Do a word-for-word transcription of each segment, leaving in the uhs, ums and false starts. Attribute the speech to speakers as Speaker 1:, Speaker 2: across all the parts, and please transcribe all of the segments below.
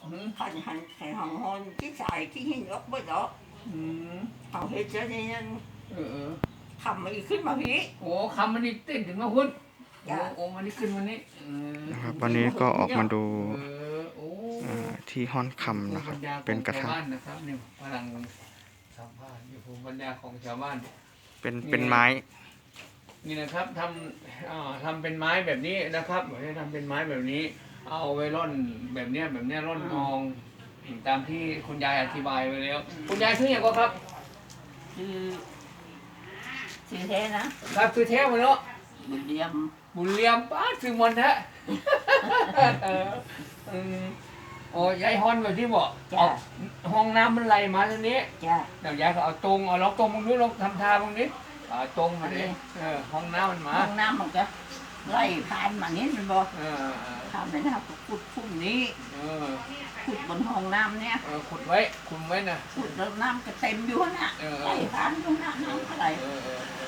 Speaker 1: thành hành thành hòn hòn cái xài cái hình ốc bớt đó
Speaker 2: อืม
Speaker 1: hòn hết cho nên
Speaker 2: เออเออ
Speaker 1: ทำมาขึ้นมาพี่
Speaker 2: โอ้คำมันนี่เต้นถึงมาหุ้นโอ้
Speaker 1: จ้ะ
Speaker 2: โอ้มันนี่ขึ้นวันนี้เออ
Speaker 3: นะครับวันนี้ก็ออกมาดู
Speaker 2: เออโอ้
Speaker 3: อ่าที่ห้อนคำนะครับ เป็นกระทะ
Speaker 2: ชาวบ้านนะครับนี่พลังสัมภาษณ์อยู่ภูมิปัญญาของชาวบ้าน
Speaker 3: เป็นเป็นไม้
Speaker 2: นี่นะครับทำอ่าทำเป็นไม้แบบนี้นะครับไม่ได้ทำเป็นไม้แบบนี้ เอาไว้ร่อนแบบเนี้ยแบบเนี้ยร่อนทองตามที่คุณยายอธิบายไว้แล้ว คุณยายชื่ออย่างก็ครับ
Speaker 1: คือชื่อแท้นะครับ
Speaker 2: คือเทพเลยเนาะ
Speaker 1: บุญเรียม
Speaker 2: บุญเลียมป้าชื่อมันแท้ เอออืมโอ้ยายฮอนแบบที่บอก
Speaker 1: จ้ะ
Speaker 2: เอาห้องน้ำมันไหลมาทางนี้
Speaker 1: จ้ะ
Speaker 2: เดี๋ยวยายก็เอาตรงเอาล็อกตรงมึงดูลองทำท่ามึงนี้เอาตรงมาดิเออห้องน้ำมันมา
Speaker 1: ห้องน้ำมันก็ไล่ผ่านมานี้มันบอก
Speaker 2: เออเออ
Speaker 1: ทำเลยนะครับขุดพุ่มนี้
Speaker 2: เออ
Speaker 1: ขุดบนห้องน้ำเนี่ย
Speaker 2: เออขุดไว้ขุดไว้นะ
Speaker 1: ขุดแล้วน้ำก็เต็มอยู่น่ะ
Speaker 2: เออ
Speaker 1: ไล่ผ่านตรงน้ำน้ำอะไร
Speaker 2: เออเออเออ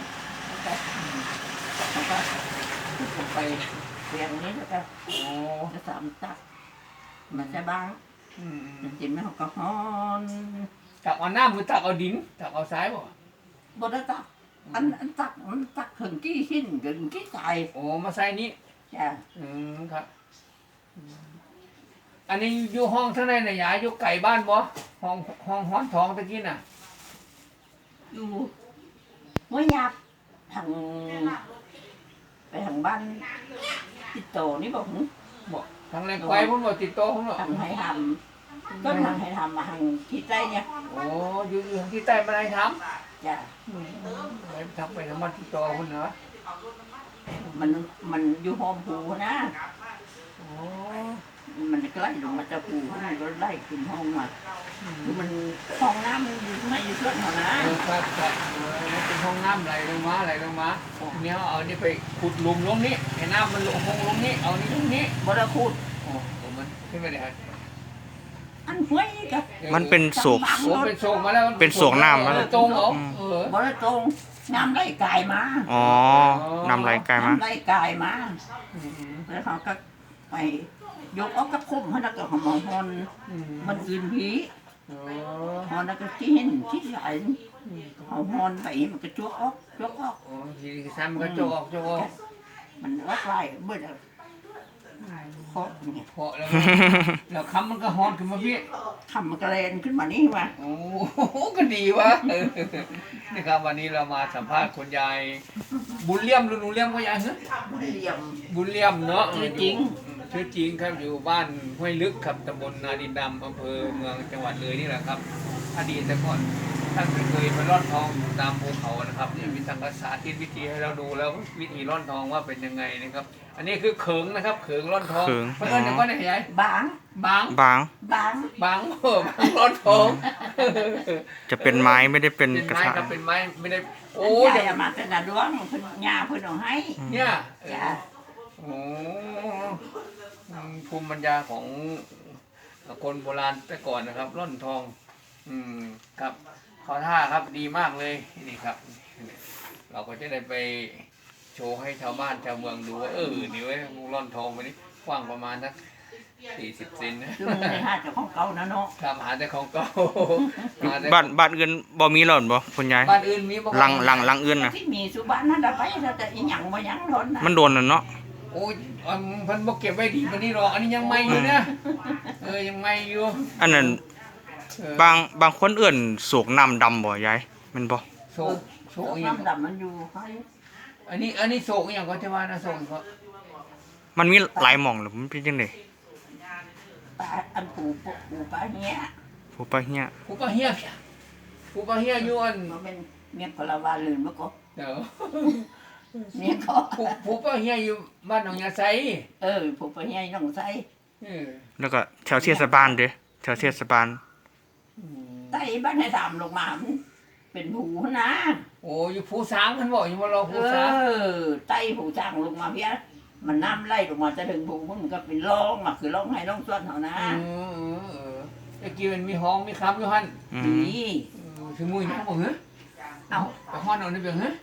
Speaker 1: แล้วก็ขุดลงไปเรียงนี้แล้วก็
Speaker 2: โอ้
Speaker 1: จะสามตักมันจะบาง
Speaker 2: อืมอืม
Speaker 1: จริงๆไม่เขาก็ฮ้อน
Speaker 2: ตักเอาน้ำหรือตักเอาดินตักเอาทรายบ่
Speaker 1: บนตักอันอันตักมันตักถึงกี่หินถึงกี่ใจ
Speaker 2: โอ้มาใส่นี้
Speaker 1: จ้ะ
Speaker 2: อืมครับอืมอันนี้อยู่ห้องข้างในน่ะยายอยู่ไก่บ้านบ่ห้องห้องห้อนทองตะกี้น่ะ
Speaker 1: อยู่หัวหยาบทางไปทางบ้านติดโตนี่บอกหึ
Speaker 2: บ่ทางแรงไกวพุ่นบ่ติดต่อพุ่นบ่
Speaker 1: ทางให้ทำก็ทางให้ทำมาทางทิศใต้เนี่ย
Speaker 2: โอ้อยู่อยู่ทางที่ใต้มาได้ทำ
Speaker 1: จ้ะ
Speaker 2: อืมไปทำไปทำมาติดต่อพุ่นเหรอ
Speaker 1: มันมันอยู่หอมผูนะ
Speaker 2: โอ้
Speaker 1: มันใกล้ลงมาจะผูมันก็ไล่ขึ้นห้องมา
Speaker 2: อืม
Speaker 1: คือมันห้องน้ำมันอยู่ไม่อยู่เพื่อนเขานะ
Speaker 2: เออครับครับเออมันเป็นห้องน้ำไหลลงมาไหลลงมาเนี่ยเอานี่ไปขุดหลุมลงนี้ให้น้ำมันลงลงลงนี้เอานี่ลงนี้
Speaker 1: บรคูด
Speaker 2: โอ้โหมันขึ้นไปได้ฮะ
Speaker 1: อันห้วยนี่ก็
Speaker 3: มันเป็นโศก
Speaker 2: โอ้เป็นโศกมาแล้ว
Speaker 3: เป็นโศกน้ำมาแล้ว
Speaker 2: ตรงเหรอเออบ
Speaker 1: รตรงน้ำไล่กายมา
Speaker 3: อ๋อนำไหลไกลมา
Speaker 1: น้ำไล่กายมา
Speaker 2: อืมอืม
Speaker 1: แล้วเขาก็ไปยกเอากระคุ้มให้นักก็หอมหอน
Speaker 2: อืม
Speaker 1: มันอื่นผี
Speaker 2: โอ้
Speaker 1: หอนแล้วก็ที่เห็นที่ใหญ่หอมหอนไปมันก็จุกออกจุกออก
Speaker 2: โอ้ทีซ้ำก็โจกออกโจกออก
Speaker 1: มันวัดไล่เบื่อแล้วเคาะเนี่ย
Speaker 2: เพาะแล้วแล้วคำมันก็ฮอนขึ้นมาพี่
Speaker 1: ทำมันกระเรนขึ้นมานี่มา
Speaker 2: โอ้โหก็ดีวะเออนี่ครับวันนี้เรามาสัมภาษณ์คุณยายบุญเลี่ยมหรือหนูเลี่ยมก็ยายเหรอ
Speaker 1: บุญเหลี่ยม
Speaker 2: บุญเลี่ยมเนาะ
Speaker 1: ชื่อจริง
Speaker 2: ชื่อจริงครับอยู่บ้านห้วยลึกครับตำบลนาดินดำอำเภอเมืองจังหวัดเลยนี่แหละครับอดีตแต่ก่อนท่านเคยไปร่อนทองอยู่ตามภูเขานะครับเนี่ยมีทางภาษาที่วิธีให้เราดูแล้ววิธีร่อนทองว่าเป็นยังไงนะครับ อันนี้คือเขิงนะครับเขิงร่อนทอง
Speaker 3: เขิง
Speaker 2: เพื่อนเดี๋ยวก็ไหนยาย
Speaker 1: บาง
Speaker 2: บาง
Speaker 3: บาง
Speaker 1: บาง
Speaker 2: บางเออบางร่อนทอง
Speaker 3: จะเป็นไม้ไม่ได้เป็น
Speaker 2: เป็น
Speaker 3: กระ
Speaker 2: ไม้
Speaker 3: ทะ
Speaker 2: ครับเป็นไม้ไม่ได้โอ้
Speaker 1: โอ้
Speaker 2: ย
Speaker 1: ยอย่ามาแต่ละดวงเพิ่นยาเพิ่นเอาให้
Speaker 2: เนี่ย
Speaker 1: จ้ะ
Speaker 2: โอ้อืมภูมิปัญญาของคนโบราณแต่ก่อนนะครับ ร่อนทอง อืมครับขอท่าครับดีมากเลยนี่ครับ เราก็จะได้ไปโชว์ให้ชาวบ้านชาวเมืองดูว่าเออนี่เว้ยร่อนทองวันนี้กว้างประมาณสักสี่สิบเซนนะ
Speaker 1: คือมันในห้าเจ้าของเก่านะเนาะ
Speaker 2: ครับหาแต่ของเก่าหแต่
Speaker 3: บ้านบ้านอื่นบ่มีหล่นบ่คุณยาย
Speaker 2: บ้านอื่นมีบ่
Speaker 3: หลังหลังหลังอื่นน่ะ
Speaker 1: ที่มีสุบ้านนั่นน่ะไปเราจะอีหยังบ่หยังทนนะ
Speaker 3: มันโดนน่ะเนาะ
Speaker 2: โอ้ยอันเพิ่นบ่เก็บไว้ดีปานนี้หรอกอันนี้ยังใหม่อยู่นะเออยังใหม่อยู่
Speaker 3: อันนั้น
Speaker 2: เออบ
Speaker 3: างบางคนเอื่นโศกน้ำดำบ่ยายแมันบ่
Speaker 2: โศกโศกอหย่าง
Speaker 1: น้ำดำมันอยู่ให้
Speaker 2: อันนี้อันนี้โศกอหย่างก็จะว่านะโศกก็
Speaker 3: มันมีหลายหม่องหรือมันเป็นจังได๋
Speaker 1: ปลาอันปูปูปูปลาเนี้ย
Speaker 3: ผู้ปะเฮีย
Speaker 2: ผู้ปะเฮียพี่ผู้ปะเฮียอยู่อัน
Speaker 1: มันเป็นเมียพลาวาลืนเมื่อก่อน
Speaker 2: เดี๋ยว
Speaker 1: เมียก็
Speaker 2: ผู้ผู้ปะเฮียอยู่บ้านหนองยาไซ
Speaker 1: เออปูปลาเนี้ยน้องใส่
Speaker 2: เออ
Speaker 3: แล้วก็แถวเทศบาลเด้แถวเทศบาล
Speaker 2: อืม
Speaker 1: ไต้บ้านให้ตามลงมามันเป็นผูนะ
Speaker 2: โอ้อยู่ผู้สางเพิ่นบอกอยู่บ่รอ
Speaker 1: เอ
Speaker 2: ผู้สาง
Speaker 1: อไต้ผูจ้างลงมาเพี้ยมันน้ำไล่ลงมาจะถึงผูมันก็เป็นร่องมาคือร่องให้ร่องส่วนเขานะ
Speaker 2: เออเออตะกี้มันมีห้องมีคำอยู่หั่น
Speaker 3: อื
Speaker 1: ดี
Speaker 3: ม
Speaker 2: เออถึงมื้อนี้บ่เหรอ
Speaker 1: เอา
Speaker 2: ไปฮ้อนเอานี่เบิ่งเหรอ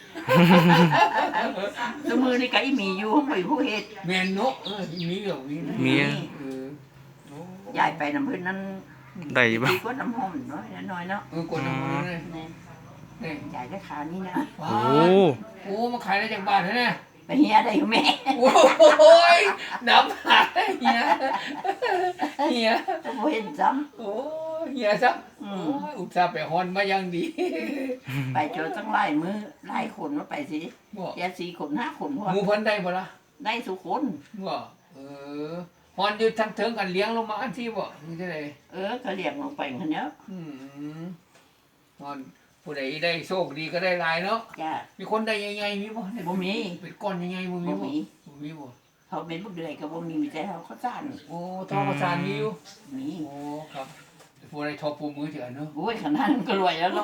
Speaker 1: สมือนี่ก็อีมีอยู่ห้องไปผู้เฮ็ด
Speaker 2: แม่นเนาะเออมีเหรอมี
Speaker 3: มี
Speaker 2: เออโอ้
Speaker 1: ยายไปน้ำพื้นนั้น
Speaker 3: ได้บ่
Speaker 1: ดีกว่าน้ำหอมน้อยน้อยเนาะ
Speaker 2: เออกดน้ำมันเลย
Speaker 1: นี่
Speaker 2: นี่
Speaker 1: ยายได้ขานี่นะ
Speaker 2: ว้า
Speaker 3: โอ้
Speaker 2: วโอ้มาขายได้จากบ้านเหรอเนี่ย
Speaker 1: ไปเฮียได้อยู่แม่
Speaker 2: โอ้ยน้ำหายเฮียเฮีย
Speaker 1: บ่เห็นซ้
Speaker 2: โอ้ยเฮียซัก
Speaker 1: ำอื
Speaker 2: โอ้
Speaker 1: ม
Speaker 2: ยอุตส่าห์ไปฮอนมายังดี
Speaker 1: ไปเจอตั้งหลายมือหลายคนว่าไปสิ
Speaker 2: บ่
Speaker 1: แกสี่คนห้าคนพอ
Speaker 2: หมูเพันได้บ่ล่ะ
Speaker 1: ได้ทุกคน
Speaker 2: บ่เออฮอนอยู่ทั้งเถิงกันเลี้ยงลงมาอันที่บ่นี่ได้เลย
Speaker 1: เออก็เรียกลงไปคันเนี้ย
Speaker 2: อืมฮอนผู้ใดได้โชคดีก็ได้หลายเนาะ
Speaker 1: จ้า
Speaker 2: มีคนได้ใหญ่ๆมีบ่ได้
Speaker 1: บ่มี
Speaker 2: เป็นก้อนใหญ่ๆบ่มี
Speaker 1: บ่
Speaker 2: บ่
Speaker 1: มี
Speaker 2: บ่มีบ่
Speaker 1: เขาเป็นพวกเดือยก็บ่มีมีแต่เขาเขาซ่าน
Speaker 2: โอ้ทองประสานมีอยู่
Speaker 1: มี
Speaker 2: โอ้ครับผู้ใดทอปูมือเถื่อนเนาะ
Speaker 1: โอ้ยขนาดนั้นก็รวยแล้วเนาะ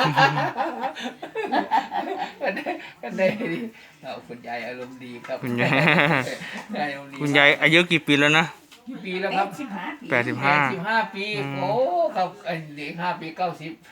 Speaker 2: ก็ได้ก็ได้ดีเอาคุณยายอารมณ์ดีครับ
Speaker 3: คุณยาย
Speaker 2: ยายอารมณ์ดี
Speaker 3: คุณยายอายุกี่ปีแล้วนะ
Speaker 2: กี่ปีแล้วครับ
Speaker 1: สิบห้าปี
Speaker 3: แปดสิบ
Speaker 2: แป
Speaker 3: ห้า
Speaker 2: ดสิบห้าปี
Speaker 3: อืม
Speaker 2: โอ้ครับไอ้เด็กห้าปีเก้าสิบ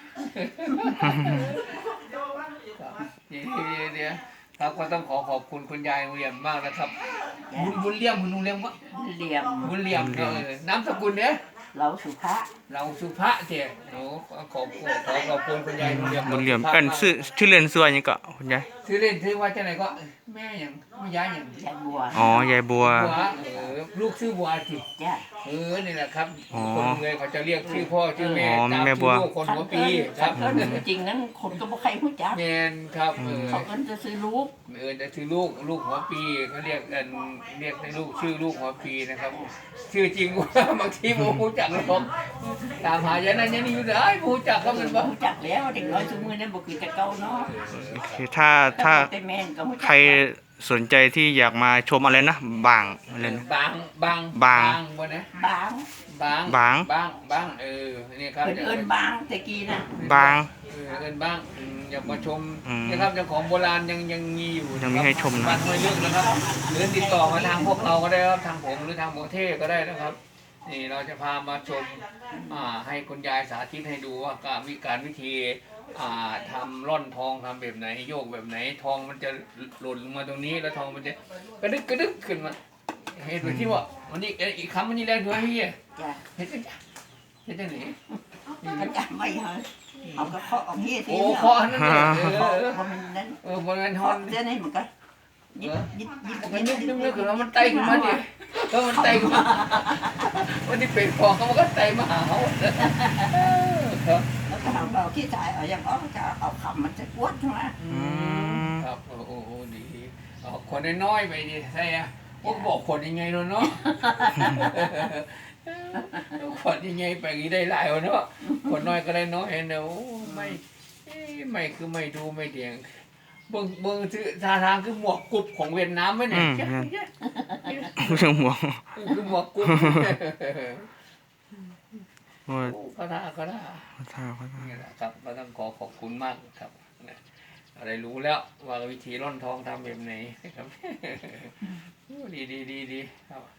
Speaker 2: เดี๋ยวเดี๋ยวครับก็ต้องขอขอบคุณคุณยายบุญเลี่ยมมากนะครับบุญบุญเลี่ยมคุณลุงเลี่ยมวะ
Speaker 1: เหลี่ยม
Speaker 2: บุญเลี่ยมเออน้ำสกุลเนี่ย
Speaker 1: เราสุภาพ
Speaker 2: เราสุภาเจ้โอ้ขอขอบคุณขอขอบคุณคุณยายบุญเลี่ยม
Speaker 3: บุญเหลี่ยม
Speaker 2: สุภาพ
Speaker 3: เอิ้นชื่อชื่อเล่นชื่อว่าหยังก็คุณยาย
Speaker 2: ชื่อเล่นชื่อว่าจะไหนก็แม่อย่างแม่ยายอย่าง
Speaker 1: ยายบัว
Speaker 3: อ๋อยายบัว
Speaker 2: บัวเออลูกชื่อบัวสิ
Speaker 1: จ้า
Speaker 2: เออนี่แหละครับ
Speaker 3: อ๋อ
Speaker 2: คนเลยเขาจะเรียกชื่อพ่อชื่อแม่
Speaker 3: อ๋อ
Speaker 2: ตาม
Speaker 3: แม่บั
Speaker 2: ชื่
Speaker 3: ว
Speaker 2: อลูกคนหัวปีค
Speaker 1: คั
Speaker 2: รับ
Speaker 1: นเอิ้นจริงๆนั้นคนก็บ่ใครรู้จัก
Speaker 2: แมนครับเออ
Speaker 1: เขาเอิ้นจะซื้อลูก
Speaker 2: เออจะชื่อลูกลูกหัวปีเขาเรียกกันเรียกในลูกชื่อลูกหัวปีนะครับ ชื่อจริงว่าบางทีโมรู้จักหรอกตามหาอย่างนั้นอย่างนี้อยู่ได้โมรู้จักก็มันบ้า
Speaker 1: รู้จักแล้วเด็กน้อยทุกมื้อนั้นบ่คือแต่เก่าเนาะ
Speaker 3: โอเคถ้าถ้า
Speaker 1: แต่แม่นก็รู้จัก
Speaker 3: ใครสนใจที่อยากมาชมอะไรนะบางอะไรนะ
Speaker 2: บางบาง
Speaker 3: บาง
Speaker 2: บนนะ
Speaker 1: บาง
Speaker 2: บาง
Speaker 3: บาง
Speaker 2: บางบางเออนี่ครับ
Speaker 1: เพิ่นเอิ้นบางแต่กี้นะ
Speaker 3: บาง
Speaker 2: เออเอินบ้างอืมอยากมาชม
Speaker 3: อืม
Speaker 2: นะครับเจ้าของโบราณยังยังมีอยู่
Speaker 3: ยังมีให้ชมนะ
Speaker 2: บ้านห้วยลึกนะครับหรือติดต่อมาทางพวกเราก็ได้ครับทางผมหรือทางโมเทก็ได้นะครับ นี่เราจะพามาชมอ่าให้คุณยายสาธิตให้ดูว่าการวิการวิธีอ่าทำร่อนทองทำแบบไหนโยกแบบไหนทองมันจะหล่นลงมาตรงนี้แล้วทองมันจะกระดึกกระดึกขึ้นมาเห็นไหมที่ว่าวันนี้เอ้ยอีกคำวันนี้แรงด้วยพี่
Speaker 1: จ้ะ
Speaker 2: เห็นจังเห็นจังไหน
Speaker 1: เขาจำไว้เหรอเอาก็เคาะเอาเฮียที
Speaker 2: โอ้
Speaker 1: เนาะ
Speaker 2: คอนั่นเนี่ยเอ
Speaker 1: เคาะ
Speaker 2: อ
Speaker 1: เพราะมันนั้น
Speaker 2: เออบนนั้นฮอ
Speaker 1: เคาะ
Speaker 2: น
Speaker 1: เดี๋ยวนี้มันก็ยิบยิบยิบ
Speaker 2: มันนึกนึกนึกขึ้นมามันไต่ขึ้นมาดิแล้วมันไต่ขึ้นมาวันนี้เป็นฟองเขามันก็ไต่มาหาเขาครับ
Speaker 1: แล้วก็เอาเราขี้จ่ายเอาอย่างอ้อจะเอาคำมันจะกวดใช่ไหม
Speaker 3: อืม
Speaker 2: ครับโอ้โหดีเอาคนน้อยๆไปดิใช่อะพวกบอกคนยังไงเนาะเนาะคนยังไงไปงี้ได้หลายวะเนาะคนน้อยก็ได้น้อยเนาะไม่ไม่คือไม่ดูไม่เดียงเบิ่งเบิ่งชื่อท่าทางคือหมวกกรุบของเวียดนามไหมเนี่ย
Speaker 3: ผู้ชมหัว
Speaker 2: คือหมวกกรุบ
Speaker 3: โอ้ย
Speaker 2: ก็ได้ก็ได้
Speaker 3: ขอโทษขอโทษ
Speaker 2: นี่แหละครับก็ต้องขอขอบคุณมากครับอะไรรู้แล้วว่าวิธีร่อนทองทำแบบไหนนะครับ ดีดีดีดีครับ